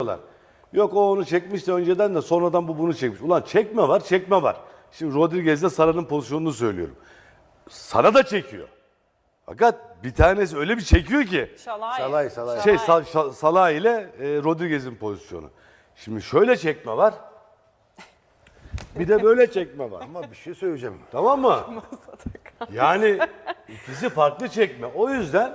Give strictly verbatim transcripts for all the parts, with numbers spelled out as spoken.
Yok o onu çekmişti önceden de sonradan bu bunu çekmiş. Ulan çekme var, çekme var. Şimdi Rodriguez'de Sara'nın pozisyonunu söylüyorum. Sara da çekiyor. Fakat bir tanesi öyle bir çekiyor ki. Şalay. Salay, salay. Şey Sa- Sa- Salah ile e, Rodriguez'in pozisyonu. Şimdi şöyle çekme var. Bir de böyle çekme var. Ama bir şey söyleyeceğim. Tamam mı? Yani ikisi farklı çekme. O yüzden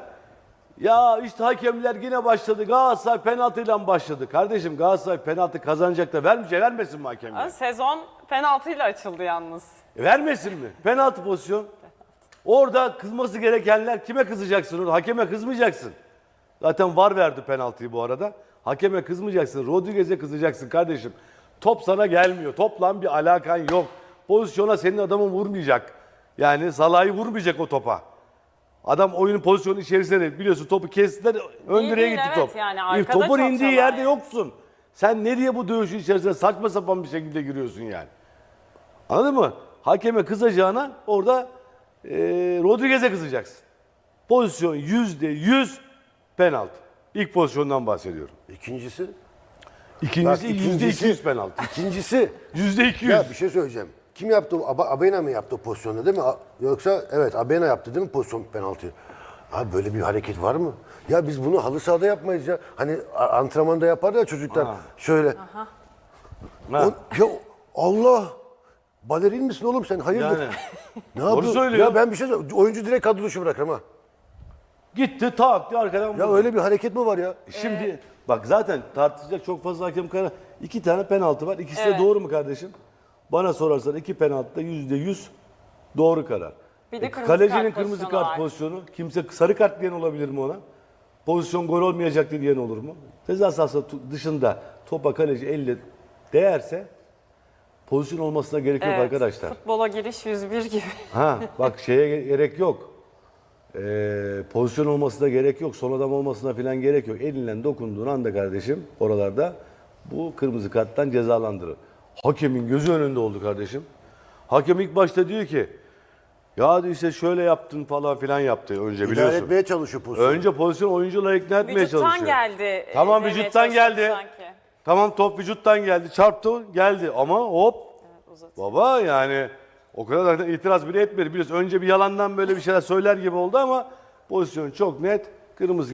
ya işte hakemler yine başladı. Galatasaray penaltıyla başladı. Kardeşim Galatasaray penaltı kazanacak da vermeyecek, vermesin mi hakemler? Sezon penaltıyla açıldı yalnız. E, vermesin mi? Penaltı pozisyon. Orada kızması gerekenler kime kızacaksın? Orada? Hakeme kızmayacaksın. Zaten VAR verdi penaltıyı bu arada. Hakeme kızmayacaksın. Rodriguez'e kızacaksın kardeşim. Top sana gelmiyor. Topla bir alakan yok. Pozisyona senin adamın vurmayacak. Yani Salah'ı vurmayacak o topa. Adam oyunun pozisyonu içerisinde biliyorsun topu kestiler ön İyi direğe değil, gitti evet, top. yani E, arkada topun çok indiği çalar yerde yani. yoksun. Sen ne diye bu dövüşün içerisine saçma sapan bir şekilde giriyorsun yani. Anladın mı? Hakeme kızacağına orada e, Rodriguez'e kızacaksın. Pozisyon yüzde yüz penaltı. İlk pozisyondan bahsediyorum. İkincisi? İkincisi Bak, yüzde ikincisi- iki yüz penaltı. İkincisi. Yüzde iki yüz. Ya bir şey söyleyeceğim. Kim yaptı? Ab Abena mı yaptı o pozisyonu değil mi? A- Yoksa evet Abena yaptı değil mi pozisyon penaltıyı? Abi böyle bir hareket var mı? Ya biz bunu halı sahada yapmayız ya. Hani a- antrenmanda yapar ya çocuklar. Şöyle. Ha. O- ya Allah! Balerin misin oğlum sen? Hayırdır? Yani. Ne yapıyorsun? söylüyor. Ya ben bir şey söyleyeyim. Oyuncu direkt kadro dışı bırakırım ha. Gitti tak diye arkadan Ya vurdu. öyle bir hareket mi var ya? Şimdi bak zaten tartışacak çok fazla hakem kararı. İki tane penaltı var. İkisi Evet. de doğru mu kardeşim? Bana sorarsan iki penaltıda yüzde yüz doğru karar. Bir de E, kırmızı kalecinin kart kırmızı pozisyonu kart var. pozisyonu. Kimse sarı kart diyen olabilir mi ona? Pozisyon gol olmayacaktı diyen olur mu? Ceza sahası tu- dışında topa kaleci elle değerse pozisyon olmasına gerek yok Evet, arkadaşlar. Futbola giriş yüz bir gibi. Ha bak şeye gerek yok. Ee, pozisyon olmasına gerek yok. Son adam olmasına falan gerek yok. Elinle dokunduğun anda kardeşim oralarda bu kırmızı karttan cezalandırır. Hakemin gözü önünde oldu kardeşim. Hakem ilk başta diyor ki ya diyor işte şöyle yaptın falan filan yaptı önce İdare biliyorsun. etmeye çalışıyor pozisyonu. Önce pozisyon oyuncuları ikna etmeye Vücuttan çalışıyor. geldi. Tamam demeye vücuttan çalışıyordu geldi. sanki. Tamam top vücuttan geldi. Çarptı geldi ama hop Uzat. baba yani o kadar zaten itiraz bile etmedi. Biliyorsun önce bir yalandan böyle bir şeyler söyler gibi oldu ama pozisyon çok net. Kırmızı